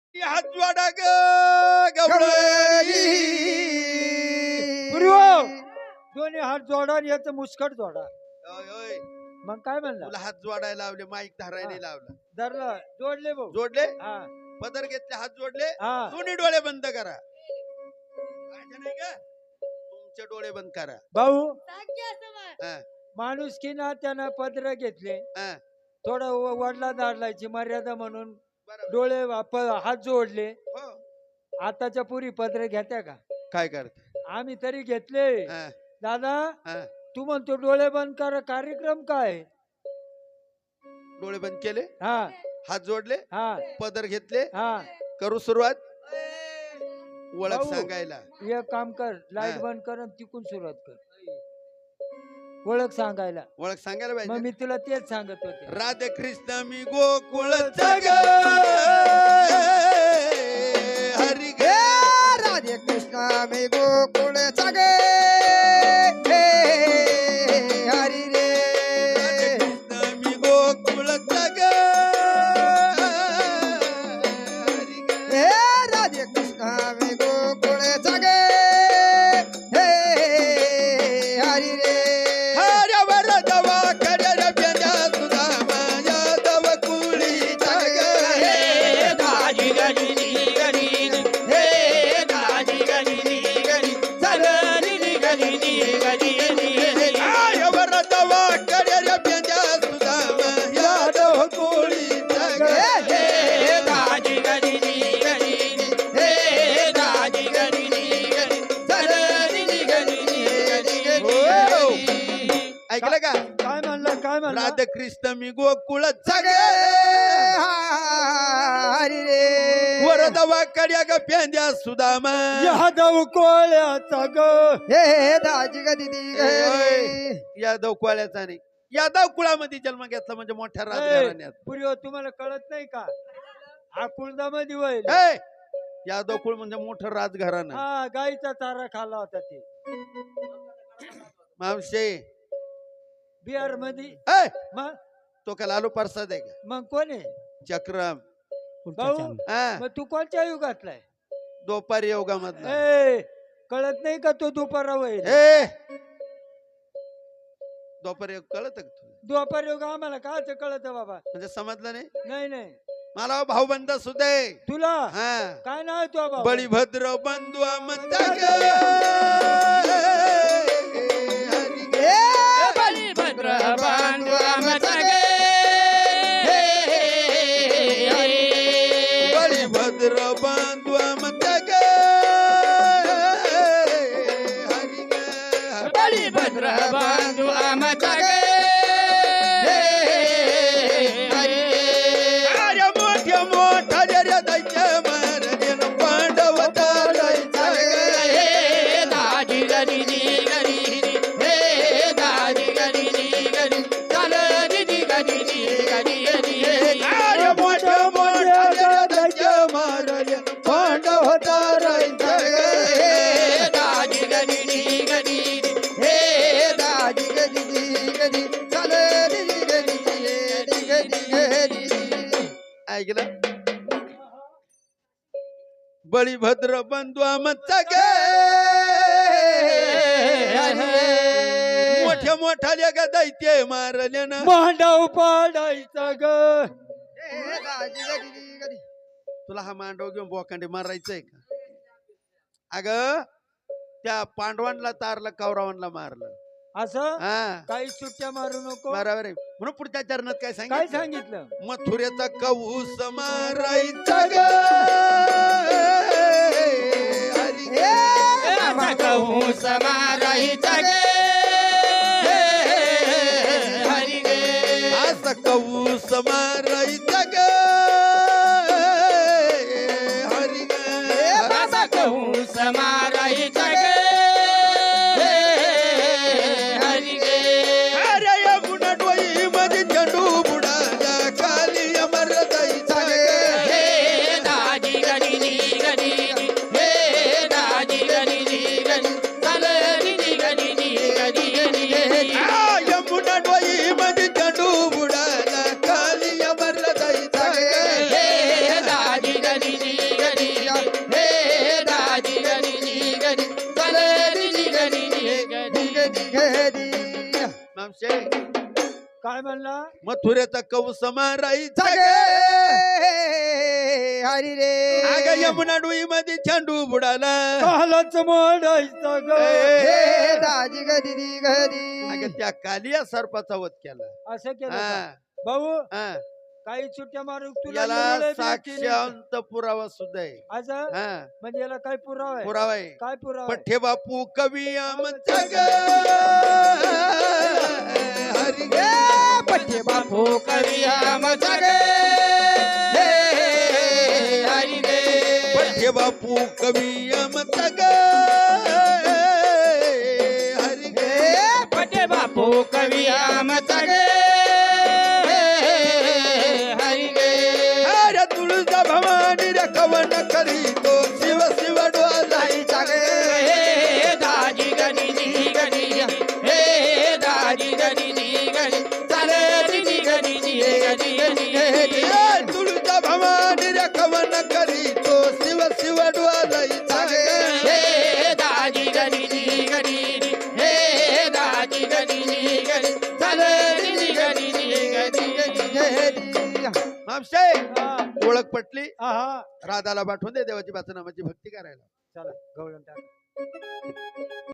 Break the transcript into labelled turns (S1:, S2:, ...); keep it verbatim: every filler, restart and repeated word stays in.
S1: हात जोडा ग गवळणी.
S2: गुरु दोन्ही हात जोडा आणि याचं मुस्कट जोडा.
S1: ओय, ओय.
S2: मग काय म्हणला?
S1: तुला हात जोडायला लावले, माईक धरायला
S2: हा.
S1: लावला.
S2: धरलं जोडले भाऊ.
S1: जोडले,
S2: हा
S1: पदर घेतले, हात जोडले,
S2: हा
S1: दोन्ही डोळे बंद करा. माझे नाही का? तुमचे डोळे बंद करा.
S2: भाऊ
S1: हा,
S2: माणूस की ना त्यानं पत्र घेतले,
S1: हा.
S2: थोडं व- वडला दाडलायची मर्यादा म्हणून
S1: बरोबर.
S2: डोळे प- हात जोडले.
S1: हो.
S2: आताच्या पुरी पत्र घेत्या का?
S1: काय करते?
S2: आम्ही तरी घेतले.
S1: हा,
S2: दादा
S1: हा.
S2: तू म्हणतो डोळे बंद कर, कार्यक्रम काय?
S1: डोळे बंद केले,
S2: हा
S1: हात जोडले,
S2: हा
S1: पदर घेतले,
S2: हा
S1: करू सुरुवात. ओळख
S2: भाऊ.
S1: सांगायला.
S2: एक काम कर, लाईट
S1: हा.
S2: बंद कर आणि तिकून सुरुवात कर. ओळख सांगायला.
S1: ओळख सांगायला
S2: मग
S1: पाहिजे.
S2: मी तुला तेच सांगत होते.
S1: राधे कृष्ण मी गोकुळचा ग हरी ग.
S3: राधे कृष्ण मी गोकुळचा गे हरी रे.
S1: राधे कृष्ण मी गोकुळचा ग हरी ग.
S3: हे राधे कृष्ण मी गोकुळचा गे हरी रे.
S1: हऱ्या वरदवा करर बेंद्या सुदामा यादव कुळीचा ग.
S3: हे दाजी गरी गरी हे दाजी गरी गरी चलनी गरी गरी
S1: हऱ्या वरदवा करर बेंद्या सुदामा यादव कुळीचा ग.
S3: हे दाजी गरी गरी हे दाजी गरी गरी चलनी गरी
S1: हो. ऐकलं का?
S2: काय म्हणलं काय म्हणलं?
S1: राधे कृष्ण मी गोकुळचा ग
S3: हरी रे.
S1: वरदवा कड्या ग पेंद्या सुदामा.
S2: यादव कोळ्याचा ग.
S3: हे दाजी गदी गरी.
S1: यादव कुळाचा नाही, यादव कुळामध्ये जन्म घेतला म्हणजे मोठ्या राजघराण्यात.
S2: पुरी तुम्हाला कळत नाही का? हा कुळदामध्ये होईल.
S1: ए, यादव कुळ म्हणजे मोठं राजघराणं.
S2: हा गाईचा चारा खाल्ला होता ते
S1: मावशे
S2: बिहार मध्ये.
S1: ए,
S2: मग
S1: तो का लालू प्रसाद आहे का?
S2: मग कोण आहे?
S1: चक्रम.
S2: भाऊ
S1: हा,
S2: मग तू कोणत्या युगातलाय?
S1: दोपारी योगामधला.
S2: ए कळत नाही का तो दुपारा होईल?
S1: ए, दोपारी योग कळत का तुला?
S2: दुपार युग आम्हाला काच कळत बाबा?
S1: म्हणजे समजलं नाही
S2: नाही नाही
S1: मला भाऊबंद सुदे.
S2: तुला
S1: हा,
S2: काय नाव आहे तो बाबा?
S1: बळीभद्र बंधू म्हणता ग हरी ग.
S3: हे बलिभद्र बांधू आमचा गे
S1: बळीभद्र बंधू म्हणता ग हरी ग.
S3: बलिभद्र बांधू आमचा गे हरी रे.
S1: अरे मोठ्या मोठा रे दैत्य मारदेन पांडव तारायचा ग.
S3: हे दाजी गरी गरी हे दाजी गरी गरी चल दिदी गरी गरी
S1: अरे मोठ्या मोठा रे दैत्य मारदेन पांडव तारायचा ग.
S3: हे दाजी गरी गरी हे दाजी गरी गरी चल दिदी गरी गरी
S1: ऐकलं? बळीभद्र बंधू आमचा ग मोठ्या मोठा ग दैत्य मारल्यानं.
S2: मांडव पाडायचा ग.
S3: हे दाजी गरी गरी
S1: तुला हा मांडव घेऊन बोकांडे मारायचंय का? अग त्या पांडवांना तारलं, कौरवांना मारलं.
S2: असं
S1: हा,
S2: काही सुट्ट्या मारू नको.
S1: बरोबर आहे. म्हणून पुढच्या चरणात काय
S2: काय
S1: सांगितलं?
S2: सांगितलं?
S1: मथुरेचा कवूस मारायचा ग हरी ग.
S3: हे कहूँ समाराहीचा गे हरी गे.
S1: असं कवूस मारायचा ग हरी ग.
S3: असा कहूँ समाराहीचा गे हरी गे.
S1: अरे या गुन्हा डोई मध्ये चंडू बुडाला खाली अमर जायचा ग.
S3: हे दाजी गरी गरी हे दाजी गरी गरी चल दिदी गरी गरी
S1: आ, यमुना डोई मध्ये चंडू बुडाला खाली मावशे
S2: काय म्हणला
S1: मथुरेचा कौस मारायचा
S3: जगे
S1: ग.
S3: हरी रे
S1: अगं यमुना डोई मध्ये चेंडू बुडाला
S2: कालच मोडायचा ग
S3: हे दाजी गदी दी गदी
S1: अगं त्या कालिया सर्पाचा वध केला.
S2: असं केलं
S1: हा,
S2: का? भाऊ
S1: हा.
S2: काही सुट्ट्या मारून तुला
S1: याला
S2: निर्णय भेटली नाही.
S1: साक्षांत पुरावा सुद्धा आहे.
S2: असं
S1: हा,
S2: म्हणजे याला काय पुरावा आहे
S1: पुरावा आहे.
S2: काय पुरावा आहे?
S1: पठ्ठे बापू कवी आमचा ग हरी ग.
S3: पठ्ठे बापू कवी आम जगे हरी रे
S1: पठ्ठे बापू कवी आमचा ग हरी ग.
S3: हे पठ्ठे बापू कवी आम जगे हरी रे
S1: अरे तुळजा भवानी रे कवन करी तो शिव शिव डोला
S3: जगे हे दाजी गदी दी गदी हे दाजी गदी दी गदी चाले दी गदी दी गदी गदी
S1: तुळजा भवानी रे कवन करी तो शिव शिव डोला
S3: जगे हे दाजी गदी दी गदी हे दाजी गदी दी गदी चाले दी गदी दी गदी गदी
S1: मावशे
S2: हा,
S1: ओळख पटली.
S2: आहा.
S1: राधाला पाठवून दे देवाची नामाची भक्ती करायला.
S2: चला गवळण टाक